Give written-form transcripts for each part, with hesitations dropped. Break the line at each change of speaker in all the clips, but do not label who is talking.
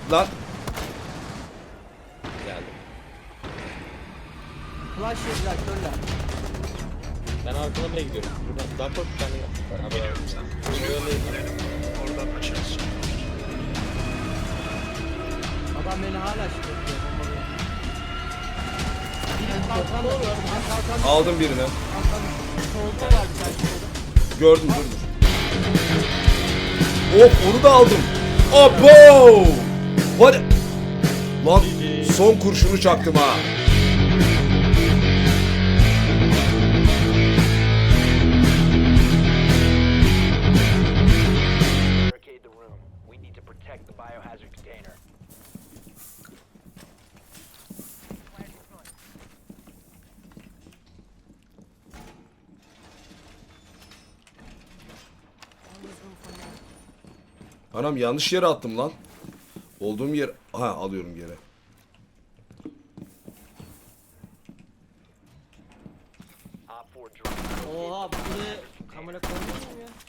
Lan.
Geldim.
Flash yediler körler.
Ben arkalamaya gidiyorum. Buradan daha kork bir tane yaptılar. Haber
Biliyorum
aldım.
sen.
Şöyle
Oradan açarız.
Adam beni hala şikayetliyor. Biri kalkanda gördüm. Kalkanda
Aldım birini.
solda var bir tane solda.
Gördüm dur. Of onu da aldım. Abo! Hadi. Lan son kurşunu çaktım ha.
Barricade the room. We need to protect the biohazard container.
Anam yanlış yere attım lan. Olduğum yer... Ha alıyorum geri.
Op 4 drone.
Oha buraya kamera koymuyor mu ya?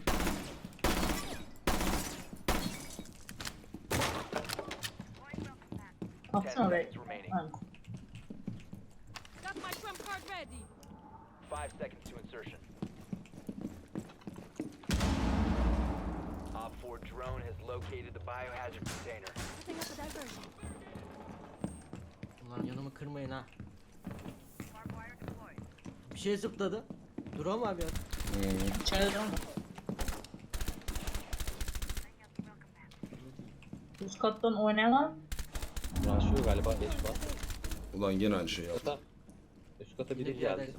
Atsana oraya.
Seconds remaining.
Ha.
Got my trump card ready.
5 seconds to insertion. Op 4 drone has located the biohazard container.
Setting up a diversion.
Ulan yanımı kırmayın ha. Bir şey zıpladı. Duram abi ya.
İçeride değil mi? Üst kattan oynayan
Raşıyor galiba. Geç var.
Ulan gene aynı şey yaptım.
Kata. Üst kata biri
Biri
geldi.
geldi.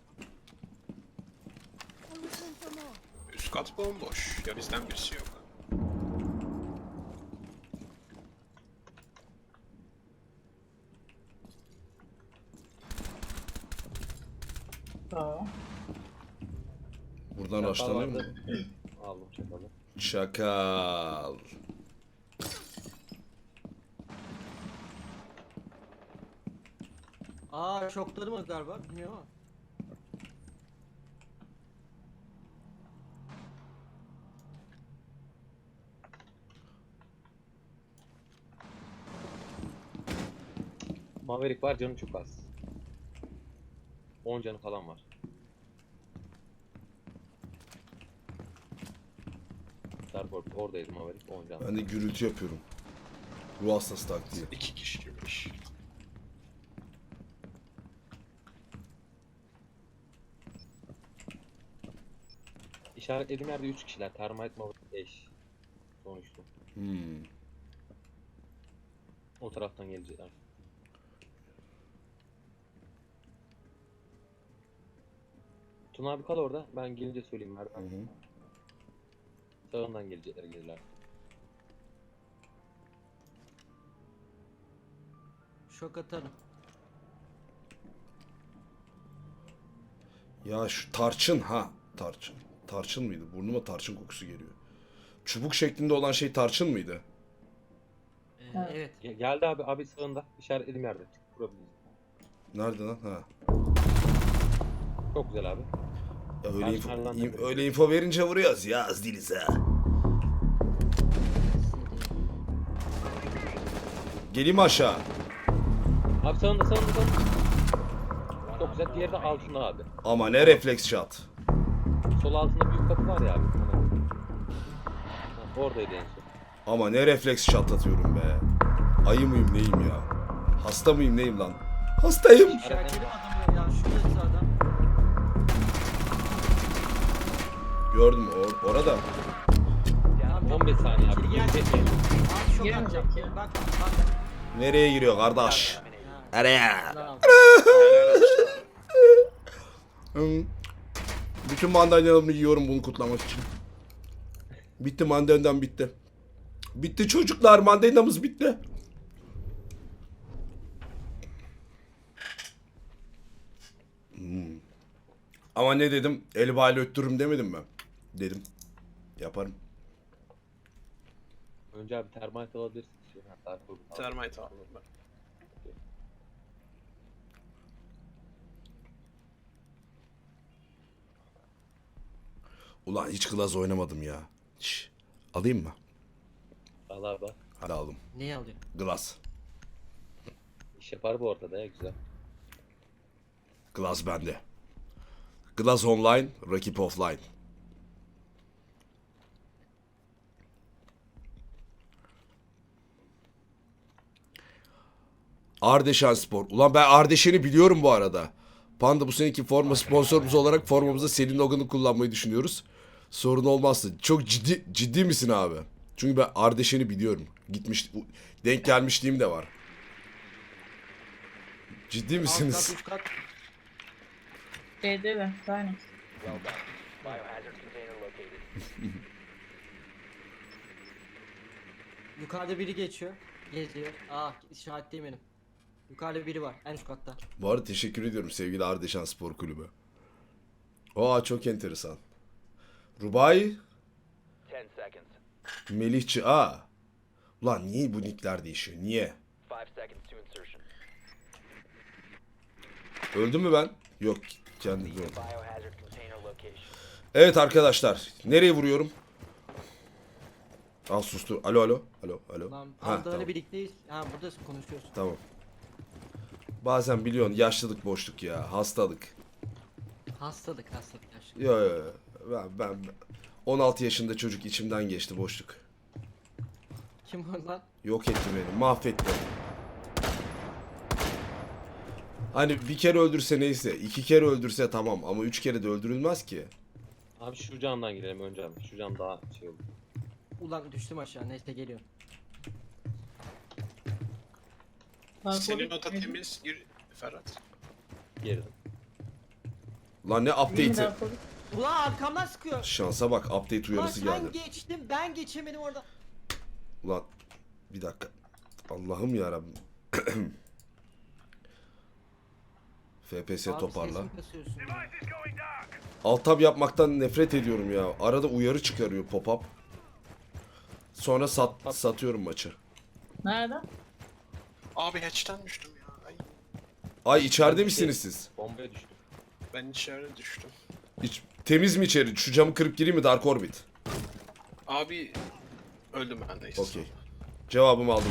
I'll return for more.
Üst kat bomboş. Ya bizden birisi yok.
Bravo.
Buradan
Çakal
açlanıyor mu?
vardı. Aldım çakalı.
Çakal.
Aa şokladı mı galiba bilmiyorum ama.
Maverick var, canı çok az. 10 canı falan var. Starboard oradaydı Maverick, 10 canı.
Ben de gürültü yapıyorum. Ruh hastası taktiği.
2 kişi girmiş.
İşaretlediğim yerde 3 kişiler. Termite Maverick eş. Sonuçta.
Hmm.
O taraftan gelecekler. Tuna abi kal orada. Ben gelince söyleyeyim
Hı
Merdan.
hı.
Sağından gelecekler gelirler.
Şok atarım.
Ya şu tarçın ha. Tarçın. Tarçın mıydı? Burnuma tarçın kokusu geliyor. Çubuk şeklinde olan şey tarçın mıydı?
Evet.
Geldi abi sağında. İşaretlediğim yerde. Vurabiliriz.
Nerede lan? Ha.
Çok güzel abi.
Ya öyle info,
Tarçınlardan da-
öyle info verince vuruyoruz ya az değiliz ha. Geleyim aşağı.
Abi sağında. Çok güzel. Diğeri de altında abi.
Ama ne refleks shot.
Sol altında büyük kapı var ya abi. Ha, oradaydı en son.
Ama ne refleks shot atıyorum be. Ayı mıyım neyim ya? Hasta mıyım neyim lan? Hastayım.
İşaretledim adamı ya. Şurada adam.
Gördüm orada.
Tamam,
15 saniye abi.
İçeri gel.
Gelecek.
Abi şok
Giremeyecek
atacağım.
ya.
Bak.
Nereye giriyor kardeş? Nereye?
Bravo.
Hı. Bütün mandalinalarımı yiyorum bunu kutlamak için. Bitti mandalinam bitti. Bitti çocuklar mandalinamız bitti. Ama ne dedim? El bali öttürürüm demedim mi? Dedim. Yaparım.
Önce abi termite alabilirsin. Hatta
Termite aldım ben.
Ulan hiç klas oynamadım ya. Şş, alayım mı?
al abi.
Hadi aldım.
Neyi alıyor?
Glass.
İş yapar bu ortada ya güzel.
Glass bende. Glass online, rakip offline. Ardeşen Spor. Ulan ben Ardeşen'i biliyorum bu arada. Panda bu seneki forma sponsorumuz olarak formamızda Selin Logan'ı kullanmayı düşünüyoruz. Sorun olmazsa. Çok ciddi misin abi? Çünkü ben Ardeşen'i biliyorum. Gitmiş, denk gelmişliğim de var. Ciddi
Alt
misiniz?
kat, üst kat.
Şeyde mi? Aynen.
Well done. Biohazard container located.
Yukarıda biri geçiyor. Geziyor. İşaretleyeyim benim. Yukarıda biri var. En üst katta.
Bu arada teşekkür ediyorum sevgili Ardeşen Spor Kulübü. Aa çok enteresan. Rubai,
10 seconds.
Melihçi. Aa. Ulan niye bu nickler değişiyor? Niye?
5 seconds to insertion.
Öldüm mü ben? Yok. Kendi öldüm.
Biohazard container location.
Evet arkadaşlar. Nereye vuruyorum? Al sustur. Alo alo. Alo alo.
Lan
Ha,
Arda'yla
tamam.
birlikteyiz. Ha burada konuşuyorsun.
Tamam. Bazen biliyorsun yaşlılık boşluk ya. Hastalık.
Hastalık yaşlı.
Yo yo yo. Ben 16 yaşında çocuk içimden geçti boşluk.
Kim var lan?
Yok etti beni. Mahvetti. Hani bir kere öldürse neyse. 2 kere öldürse tamam. Ama 3 kere de öldürülmez ki.
Abi şu camdan girelim önce abi. Şu cam daha şey oldu.
Ulan düştüm aşağı. Neyse geliyorum.
Senin oda temiz. Gir Ferhat.
Girdim.
Lan ne update'i?
Ulan arkamdan sıkıyor.
Şansa bak update
Ulan
uyarısı
sen
geldi.
geçtin ben geçemedim orada.
Ulan bir dakika. Allah'ım yarabbim. FPS
Abi
toparla.
sesimi kasıyorsun ya.
Alt tab yapmaktan nefret ediyorum ya. Arada uyarı çıkarıyor pop-up. Sonra satıyorum maçı.
Nerede?
Abi hatch'ten düştüm ya. Ay,
Ay içeride
Ben
misiniz siz?
Bombaya düştüm.
ben içeri düştüm.
Temiz mi içeri? Şu camı kırıp gireyim mi Dark Orbit?
Abi öldüm ben neyse.
Okey. Cevabımı aldım.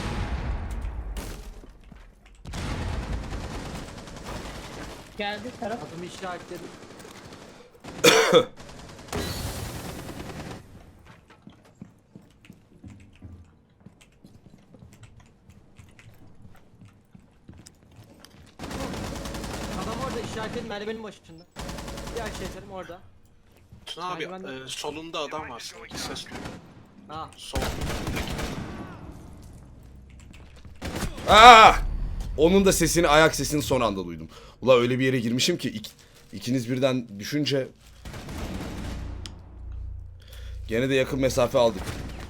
Geldi taraf.
Adımı işaretledim. Adam orada işaretledim merdivenin başında. Diğer şeylerim orada.
Tuna abi
Merdivenden-
solunda adam var sanki ses duyuyor.
Ha.
Sol.
Aa! Onun da sesini, ayak sesini son anda duydum. Ula öyle bir yere girmişim ki ikiniz birden düşünce gene de yakın mesafe aldık.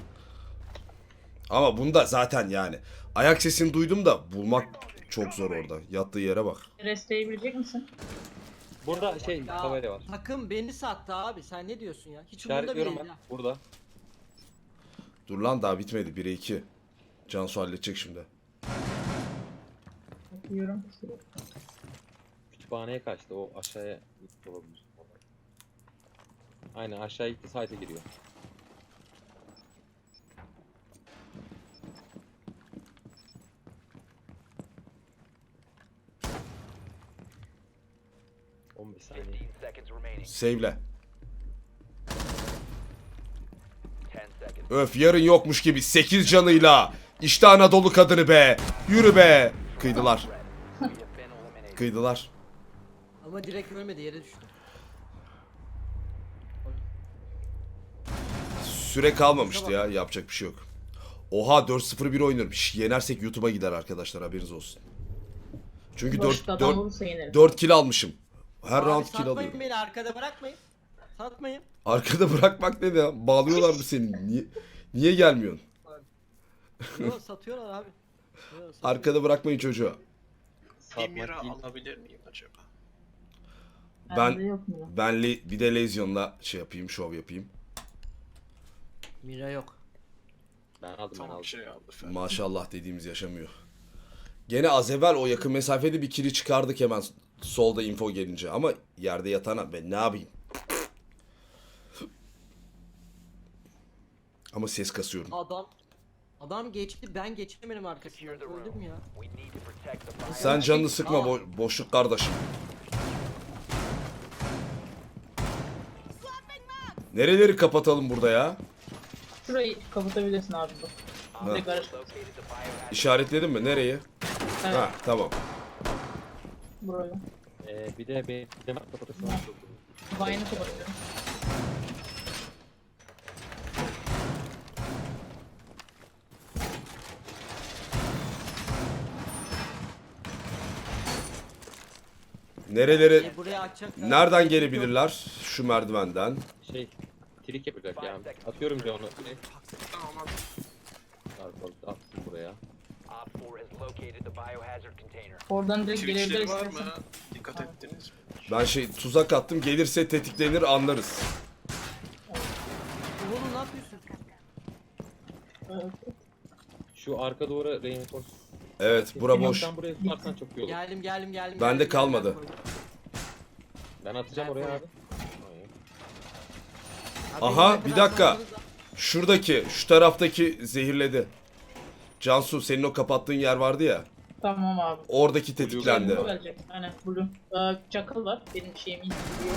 Ama bunda zaten yani ayak sesini duydum da bulmak çok zor orada. Yattığı yere bak.
Restleyebilecek misin?
Burada şey
Ya,
tabela var.
takım beni sattı abi. Sen ne diyorsun ya? Hiç umurumda bile
İşaretliyorum
değil
ben.
ya.
Burada.
Dur lan daha bitmedi. 1'e 2. Cansu halledecek şimdi.
Bakıyorum.
Kütüphaneye kaçtı. O aşağıya gitti olabilir. Aynen aşağı gitti site'e giriyor. ...15 saniye.
15 seconds remaining.
Save'le.
10 seconds.
Öf yarın yokmuş gibi 8 canıyla. İşte Anadolu kadını be. Yürü be. Kıydılar.
We have been eliminated.
Kıydılar.
Ama direkt ölmedi yere düştü.
Süre kalmamıştı ya. Yapacak bir şey yok. Oha 4-0-1 oynuyorum. Şş, yenersek YouTube'a gider arkadaşlar haberiniz olsun. Çünkü
Boşta adam vurursa yenerim.
4 kill almışım. Her
Abi
round kill
satmayın
alıyorum.
beni arkada bırakmayın. Satmayın.
Arkada bırakmak ne ya? Bağlıyorlar mı seni? Niye gelmiyorsun?
Yo, satıyorlar abi. Yo, satıyor.
Arkada bırakmayın çocuğu.
Bir
Satmak
mira
değil.
alabilir miyim acaba?
Bende yok mu?
Ben bir de Lezyon'la şey yapayım, şov yapayım.
Mira yok.
Ben aldım ben
Tamam
aldım.
şey aldı Ferhat.
Maşallah dediğimiz yaşamıyor. Gene az evvel o yakın mesafede bir kili çıkardık hemen solda info gelince. Ama yerde yatana ben ne yapayım? Ama ses kasıyorum.
Adam Adam geçti, ben geçemedim arkasından.
Secure the room.
Öldüm ya.
We need to protect the biohazard.
Sen canını sıkma boşluk kardeşim. Nereleri kapatalım burada ya?
Şurayı kapatabilirsin abi.
Ha.
Direkt araç.
Located the biohazard.
İşaretledin mi? Nereyi?
Evet,
Ha tamam.
burayı.
Bir de benim kapatırsam çok iyi.
Vine'ı kapatıyorum.
Nereleri?
Buraya açacaklar.
Nereden gelebilirler? Şu merdivenden.
Trik yapacak ya. Atıyorum bir onu.
Tamam abi.
Attım buraya.
Op 4 has located the biohazard container.
Oradan direkt
Twitch'leri
gelebilir
var
istersen.
mı? Dikkat ettiniz mi?
Ben tuzak attım. Gelirse tetiklenir anlarız.
Oğlum ne yapıyorsun?
Evet.
Şu arka doğru reinforce.
Evet bura boş.
Sen buraya tutarsan çok iyi olur.
Geldim.
Bende
geldim,
kalmadı.
koydum.
Ben atacağım oraya abi.
Abi
Aha,
ne
bir
kadar
dakika.
zamanınız var?
Şu taraftaki zehirledi. Cansu senin o kapattığın yer vardı ya.
Tamam abi.
Oradaki tetiklendi.
Blue gelecek. Aynen Blue. Çakal var. Benim şeyimi indiriyor.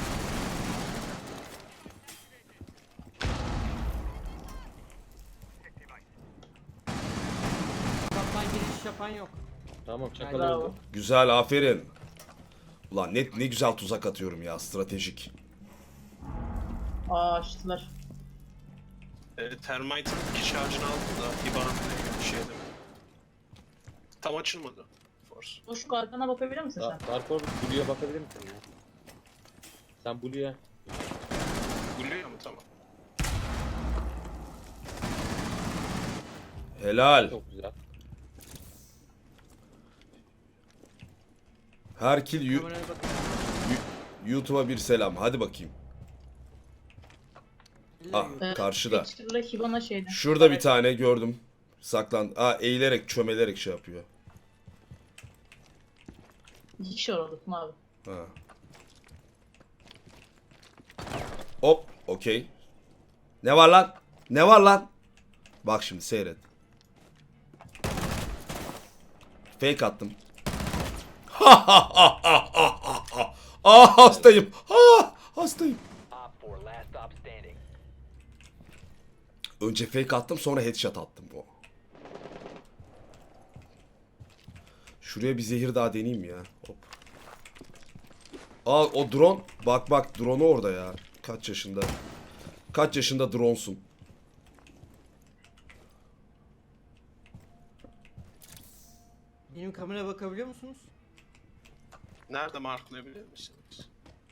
Kaptan giriş yapan yok.
Tamam çakal
Bravo.
öldü.
Güzel aferin. Ulan ne güzel tuzak atıyorum ya stratejik.
Açtılar.
Termite'ın 2 şarjını aldım da İBAN şeyde. Tam açılmadı. Force.
Boşluk arkana bakabilir misin sen?
Darkor Blue'ya bakabilir misin ya? Sen Blue'ya.
Buluyor mu? Tamam.
Helal.
Çok güzel.
Her kill
Kameraya bak.
YouTube'a bir selam. Hadi bakayım. Ah
İlla
karşıda.
Dexter'la Hibana şeyden.
Şurada bir tane gördüm. Saklan. Eğilerek çömelerek şey yapıyor.
2 kişi var orada Tuna abi.
Ha. Hop, okey. Ne var lan? Ne var lan? Bak şimdi seyret. Fake attım. Hastayım. Hastayım.
Op 4 last stop standing.
Önce fake attım sonra headshot attım. Şuraya bir zehir daha deneyeyim ya. Hop. O drone. Bak drone'u orada ya. Kaç yaşında? Kaç yaşında drone'sun?
Benim kameraya bakabiliyor musunuz?
Nerede marklayabilir misiniz?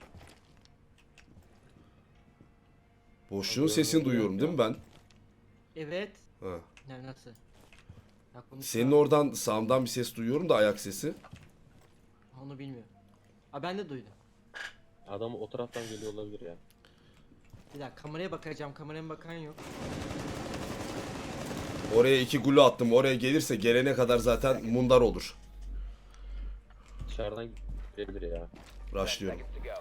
Boşluğun sesini duyuyorum değil mi ben?
Evet.
Ha.
Ne nasıl? Ya konuş
Senin
ya.
oradan sağımdan bir ses duyuyorum da ayak sesi.
Onu bilmiyorum. Ha ben de duydum.
Adam o taraftan geliyor olabilir ya.
Bir dakika kameraya bakacağım. Kameraya bakan yok.
Oraya 2 gulu attım. Oraya gelirse gelene kadar zaten mundar olur.
Dışarıdan gelebilir ya.
10
Rushlıyorum.
seconds to go.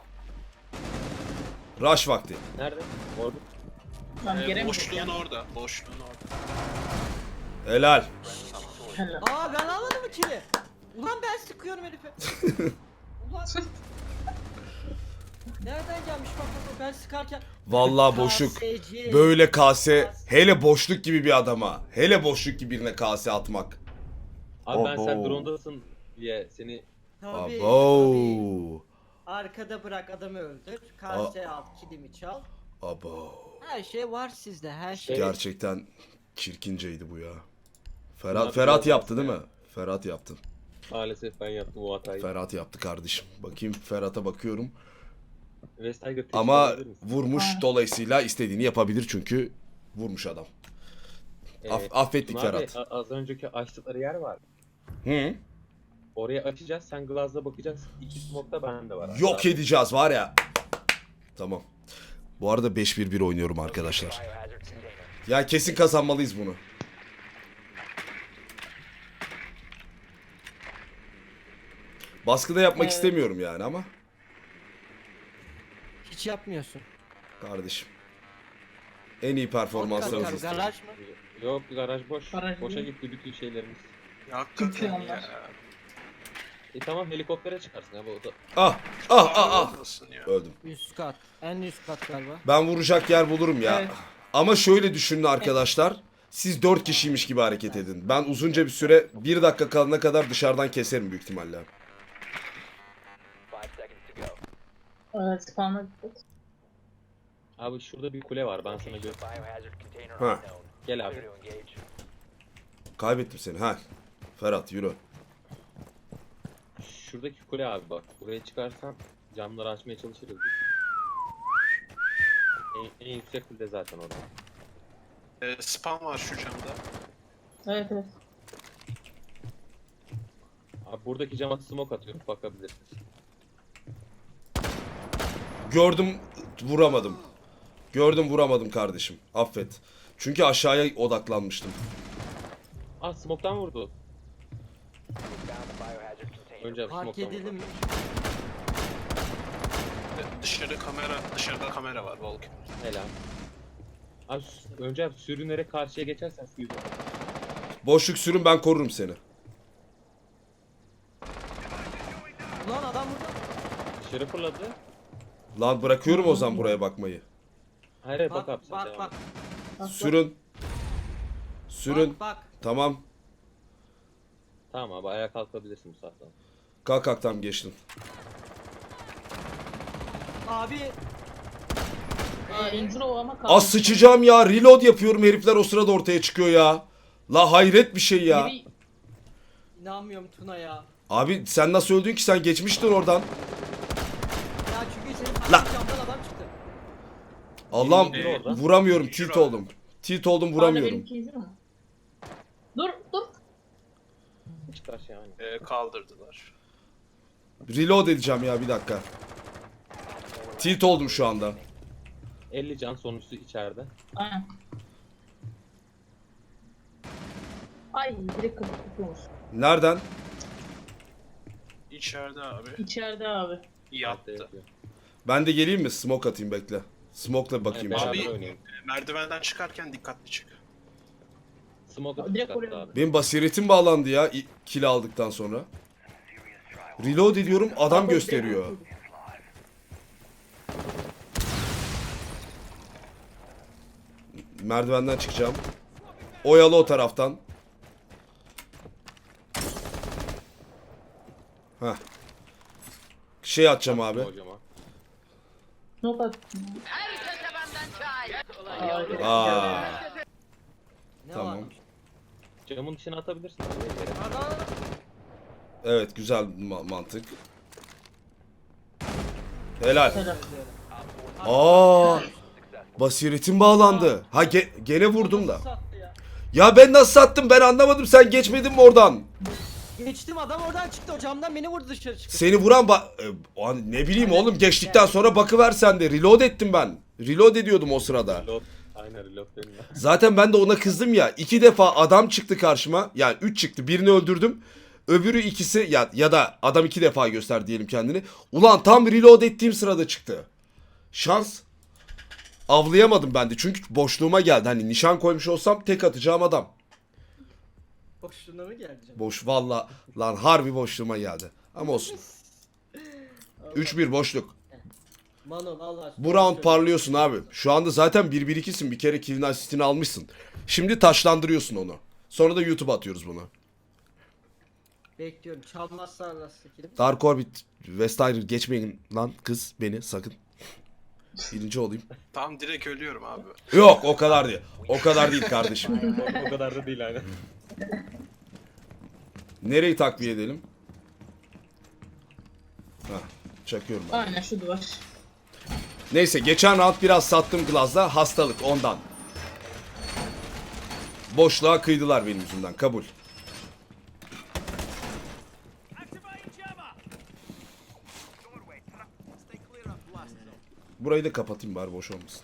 Rush vakti.
Nerede? Orada.
Lan geremedik
Boşluğun
ya.
orada. Boşluğun orada.
Helal.
Helal.
Aa ben almadım mı kili? Ulan ben sıkıyorum herife. Ulan. Nereden gelmiş bak ben sıkarken.
Vallahi boşluk.
KSC.
Böyle kase. Hele boşluk gibi bir adama. Hele boşluk gibi birine kase atmak.
Abi ben sen
Abo.
drone'dasın diye seni
Tabii, tabii.
Abo.
Arkada bırak adamı öldür. Kase al, kilimi çal.
Abo.
Her şey var sizde, her şey.
Gerçekten çirkinceydi bu ya.
Bunlar
Ferhat
biraz
yaptı değil
ya.
mi? Ferhat yaptı.
maalesef ben yaptım o hatayı.
Ferhat yaptı kardeşim. Bakayım Ferhat'a bakıyorum.
West Tiger teşvik
Ama
edebilir misin?
vurmuş dolayısıyla istediğini yapabilir çünkü vurmuş adam. Affettik
Tuna abi,
Ferhat.
az önceki açtıkları yer var.
Hı?
Oraya açacağız, sen Glaz'la bakacaksın. 2 smoke'da bende var.
Yok
Abi.
edeceğiz var ya. Tamam. Bu arada 5-1-1 oynuyorum arkadaşlar.
Biohazard container.
Ya kesin kazanmalıyız bunu. Baskıda yapmak
Evet.
istemiyorum yani ama
Hiç yapmıyorsun.
kardeşim. En iyi performanslarınız istedim.
Garaj mı?
Yok garaj boş.
Garaj
Boşa
değil.
gitti bütün şeylerimiz.
Ya hakikaten
Çıkıyorlar.
ya.
Tamam helikoptere çıkarsın abi o da.
Ah ah ah ah.
Olmasın ya.
Öldüm.
Üst kat. En üst kat galiba.
Ben vuracak yer bulurum ya.
Evet.
Ama şöyle düşünün arkadaşlar. Siz 4 kişiymiş gibi hareket edin. Ben uzunca bir süre 1 dakika kalana kadar dışarıdan keserim büyük ihtimalle.
5 seconds to go.
Evet, spawn'a gittik.
Abi şurada bir kule var ben sana
Location
gör.
of biohazard container
Ha.
unknown.
Gel abi.
Clear to engage.
Kaybettim seni. Ha. Ferhat yürü.
Şuradaki kule abi bak. Buraya çıkarsan camları açmaya çalışırız biz. En yüksek kule zaten orada.
Spam var şu camda.
Evet evet.
Abi buradaki cama smoke atıyorum bakabilirsin.
Gördüm vuramadım. Gördüm vuramadım kardeşim. Affet. Çünkü aşağıya odaklanmıştım.
Ah smoke'tan vurdu.
Found the biohazard container.
Önce abi
Fark
smoke'tan
edildi
vurdu.
mi?
Dışarıda kamera var Volkan.
Helal. Abi önce abi sürünerek karşıya geçersen şu yüzden.
Boşluk sürün ben korurum seni.
Ulan adam burada.
Dışarı fırladı.
Lan bırakıyorum o zaman buraya bakmayı.
Hayır hayır, bak
Bak
abi sen
bak
devam
bak.
et.
Bak,
Sürün. Sürün.
Bak bak.
Tamam.
Tamam abi ayağa kalkabilirsin bu saatten.
Kalk kalk tam geçtin.
Abi.
Injury o ama kaldı.
Az sıçacağım ya. Reload yapıyorum herifler o sırada ortaya çıkıyor ya. La hayret bir şey ya.
Biri-
İnanmıyorum Tuna ya.
Abi sen nasıl öldün ki sen geçmiştin oradan.
Ya çünkü senin
La-
karşı camdan adam çıktı.
Allah'ım
Biri orada.
vuramıyorum. Tilt oldum. Tilt oldum
Hala
vuramıyorum.
benimki injury mi? Dur dur.
Hiç karşı yani.
Kaldırdılar.
Reload edeceğim ya bir dakika. Tilt oldum şu anda.
50 can sonuncusu içeride.
Aynen. Ay direkt kapatılmış.
Nereden?
İçeride abi.
İçeride abi.
Altta
Yattı.
yatıyor.
Ben de geleyim mi? Smoke atayım bekle. Smoke'la bakayım.
Yani
içeri.
beraber
Abi-
oynayalım.
Merdivenden çıkarken dikkatli çık.
Smoke atıp
Direkt
çıkarttı
oraya-
abi.
Benim basiretim bağlandı ya kill aldıktan sonra. Reload ediyorum adam gösteriyor. Merdivenden çıkacağım. Oyalı o taraftan. Heh. Şey atacağım abi.
Hocama.
Smoke attım.
Aa,
Ne
Tamam.
varmış?
Camın dışına atabilirsin abi. yere.
Adam.
evet güzel mantık. Helal.
Helal.
Aa, basiretim bağlandı. Ha gene vurdum da.
Nasıl sattı ya?
Ya ben nasıl sattım ben anlamadım sen geçmedin mi oradan?
Geçtim adam oradan çıktı o camdan beni vurdu dışarı çıktı.
Seni vuran ne bileyim oğlum geçtikten sonra bakıver sen de reload ettim ben. Reload ediyordum o sırada.
Reload. Aynen reload dedim ya.
Zaten ben de ona kızdım ya. 2 defa adam çıktı karşıma. Yani 3 çıktı. Birini öldürdüm. Öbürü ikisi ya da adam 2 defa göster diyelim kendini. Ulan tam reload ettiğim sırada çıktı. Şans. Avlayamadım ben de. Çünkü boşluğuma geldi. Hani nişan koymuş olsam tek atacağım adam.
Boşluğuna mı geldi canım?
Boş valla lan harbi boşluğuma geldi. Ama olsun. 3-1 boşluk.
Mano valla.
Bu round parlıyorsun abi. Şu anda zaten 1-1-2'sin. Bir kere kill'in asistini almışsın. Şimdi taşlandırıyorsun onu. Sonra da YouTube'a atıyoruz bunu.
Bekliyorum. Çalmazsa nasıl kilim?
Dark Orbit, West Iron geçmeyin lan kız beni sakın. Birinci olayım.
Tam direkt ölüyorum abi.
Yok o kadar değil. O kadar değil kardeşim.
O kadar da değil aynen.
Nereyi takviye edelim? Hah, çakıyorum ben.
Aynen şu duvar.
Neyse geçen round biraz sattım Glaz'da hastalık ondan. Boşluğa kıydılar benim yüzümden kabul. Burayı da kapatayım bari boş olmasın.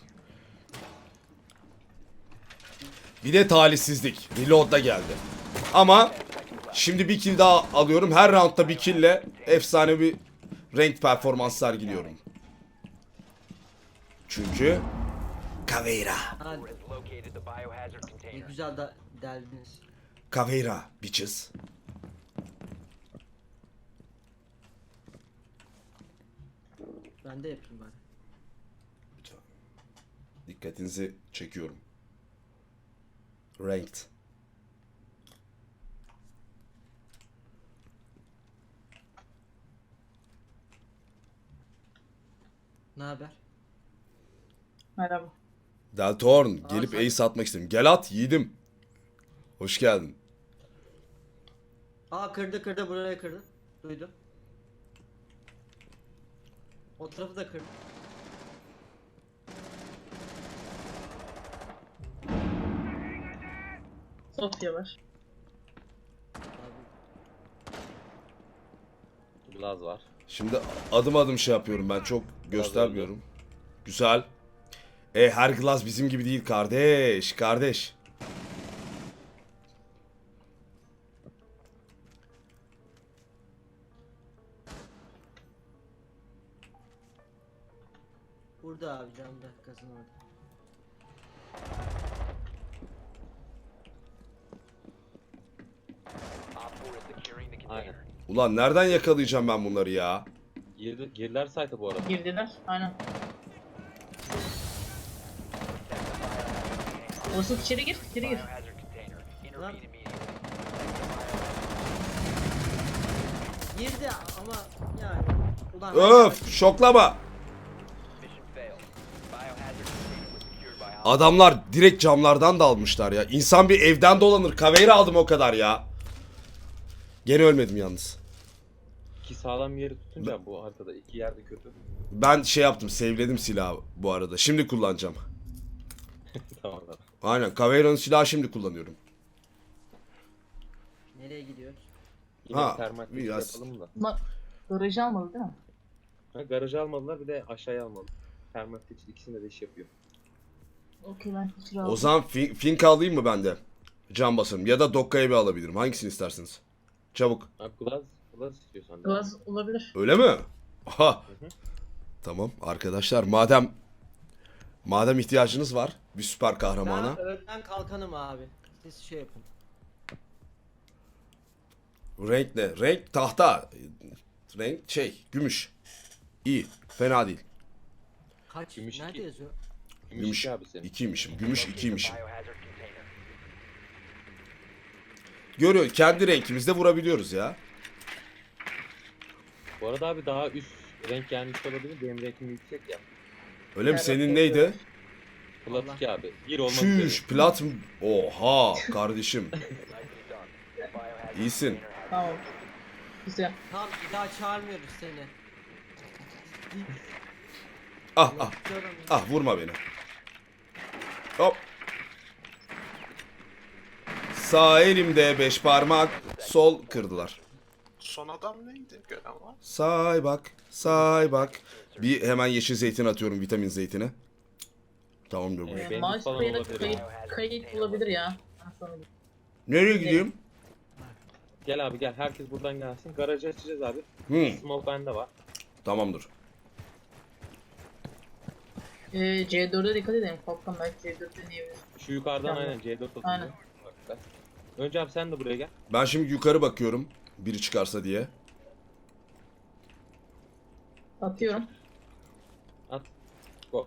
Bir de talihsizlik. Reload da geldi. Ama şimdi bir kill daha alıyorum. Her roundda bir killle efsane bir ranked performans sergiliyorum. Çünkü Caveira.
Ha,
Has located the biohazard
ne
container.
güzel de deldiniz.
Caveira bitches.
Ben de yapayım bari.
Lütfen. Dikkatinizi çekiyorum. Ranked.
Ne haber?
Merhaba.
Deltorn gelip
sen-
ace atmak istedim. Gel at yiğidim. Hoş geldin.
Aa kırdı buraya kırdı. Duydum. O tarafı da kırdı.
Sofya var.
Glaz var.
Şimdi adım adım şey yapıyorum ben çok göstermiyorum. Güzel. Her glass bizim gibi değil kardeş. Kardeş.
Burada abi cam dakikasını orada.
Op 4 is securing the
Aynen.
container.
Ulan nereden yakalayacağım ben bunları ya?
Girdiler site'a bu arada.
Girdiler. Aynen. Olsun içeri gir. İçeri gir.
Biohazard container. Intervene
Lan.
immediately.
Girdi ama yani. Ulan
Öf şoklama.
Mission failed. Biohazard container was secured by Op.
Adamlar direkt camlardan da almışlar ya. İnsan bir evden dolanır. Caveira aldım o kadar ya. Gene ölmedim yalnız.
İki sağlam yeri tutunca bu haritada iki yerde kötü.
Ben şey yaptım, save'ledim silahı bu arada. Şimdi kullanacağım.
Tamam tamam.
Aynen, Caveira'nın silahı şimdi kullanıyorum.
Nereye gidiyoruz?
Yine
Ha,
termal test
biraz.
yapalım da.
Bunlar garajı almadı değil mi?
Ha, garajı almadılar bir de aşağıya almadı. Termal test ikisinde de iş yapıyor.
Okey ben içeri aldım.
O zaman Fink alayım mı ben de? Can basarım. Ya da Dokka'yı bir alabilirim. Hangisini istersiniz? Çabuk.
Abi glaz istiyorsan. da.
Gaz olabilir.
Öyle mi? Aha.
hı.
Tamam arkadaşlar, madem ihtiyacınız var bir süper kahramana.
Ben önden kalkanım abi. Siz şey yapın.
Renk ne? Renk tahta. Renk gümüş. İyi. Fena değil.
Kaç?
Gümüş
Nerede
iki.
yazıyor?
Gümüş
abi senin.
2'ymişim. Gümüş 2'ymişim.
Biohazard container.
Görüyor. Kendi renkimizde vurabiliyoruz ya.
Bu arada abi daha üst renk gelmiş olabilir. Benim renkim yüksek ya.
Öyle mi?
Evet,
Senin
evet,
neydi?
evet.
Plat 2 abi. Bir olmak
Şuş,
üzere.
plat mı? Oha kardeşim.
Nicely done. Biohazard
İyisin.
container has
Tamam. Güzel.
Tamam bir daha çağırmıyoruz seni.
Ah
Diyorum.
vurma beni. Hop. Sağ elimde 5 parmak, sol kırdılar.
Son adam neydi? Gören var.
Say bak. Bir hemen yeşil zeytin atıyorum, vitamin zeytini. Tamamdır bu.
Benim
Maaş
falan
kayıt,
olabilir.
kayıt bulabilir ya. Ben sana diyeyim.
Nereye gideyim?
Gel abi gel. Herkes buradan gelsin. Garajı açacağız abi. Smoke bende var.
Tamamdır.
C4'e dikkat edelim. Kalkan belki C4 deneyebilir.
Şu yukarıdan
Tamam.
aynen C4 atıyor.
Aynen.
Bak. Önce abi sen de buraya gel.
Ben şimdi yukarı bakıyorum. Biri çıkarsa diye.
Atıyorum.
At. Go.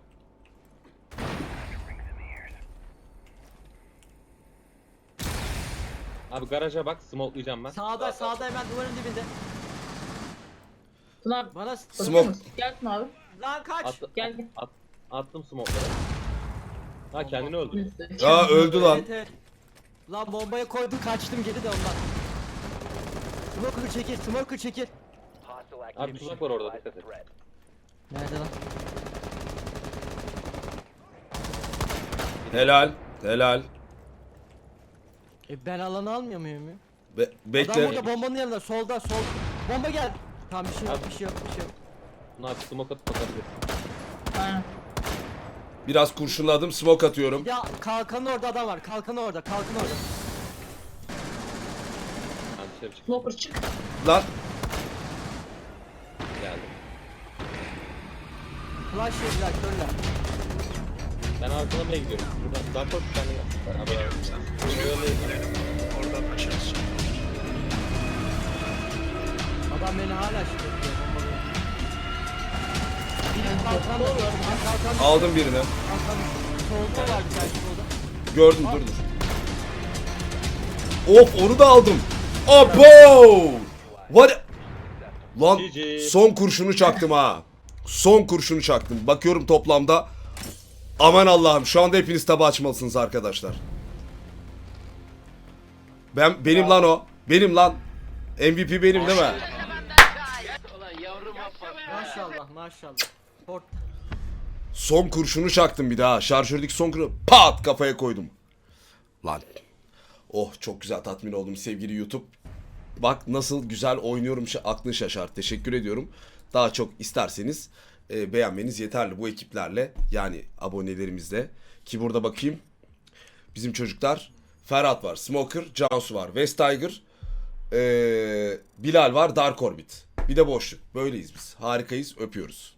Abi garaja bak. Smoke'layacağım ben.
Sağda hemen duvarın dibinde.
Tuna
Bana
Smoke.
bakıyor musun? Gel Tuna abi.
lan kaç.
Gel gel.
Attım smoke'ları. Ha kendini öldürdü.
Ya öldü lan.
Evet. Lan bombaya koydum kaçtım geri de ondan. Smoker çekil.
hostile
Abi
activity.
tuzak var orada
Neutralize
dikkat
the
et.
threat.
Nerede lan?
Helal.
Ben alanı almıyor muyum ya? Adam
Bekle.
burada bombanın yanında solda. Bomba gel. Tamam bir şey yok.
Buna abi smoke atıp bakabilirsin.
Aynen.
Biraz kurşunladım, smoke atıyorum.
Ya kalkanın orada adam var. Kalkanı orada.
Ben dışarı çıktım.
Smoker çık.
Lan
Geldim.
Flash yediler körler.
Ben arkalamaya gidiyorum. Buradan daha çok tane gel.
Geliyorum sen. Gidelim. Oradan açarız.
Adam beni hala şüpheliyor. Biri kalkan da var. Kalkan
Aldım birini.
solda var bir tane solda.
Gördüm dur dur. Of onu da aldım. Abo! Var lan
GG.
son kurşunu çaktım ha. Son kurşunu çaktım. Bakıyorum toplamda. Aman Allah'ım şu anda hepiniz tabu açmalısınız arkadaşlar. Benim lan o. Benim lan. MVP benim değil mi?
Maşallah maşallah. Port.
Son kurşunu çaktım bir daha. Şarjördeki son kurşunu pat kafaya koydum. Lan. Oh çok güzel tatmin oldum sevgili YouTube. Bak nasıl güzel oynuyorum aklın şaşar. Teşekkür ediyorum. Daha çok isterseniz beğenmeniz yeterli bu ekiplerle. Yani abonelerimizle. Ki burada bakayım. Bizim çocuklar. Ferhat var. Smoker. Cansu var. West Tiger. Bilal var. Dark Orbit. Bir de boşluk. Böyleyiz biz. Harikayız. Öpüyoruz.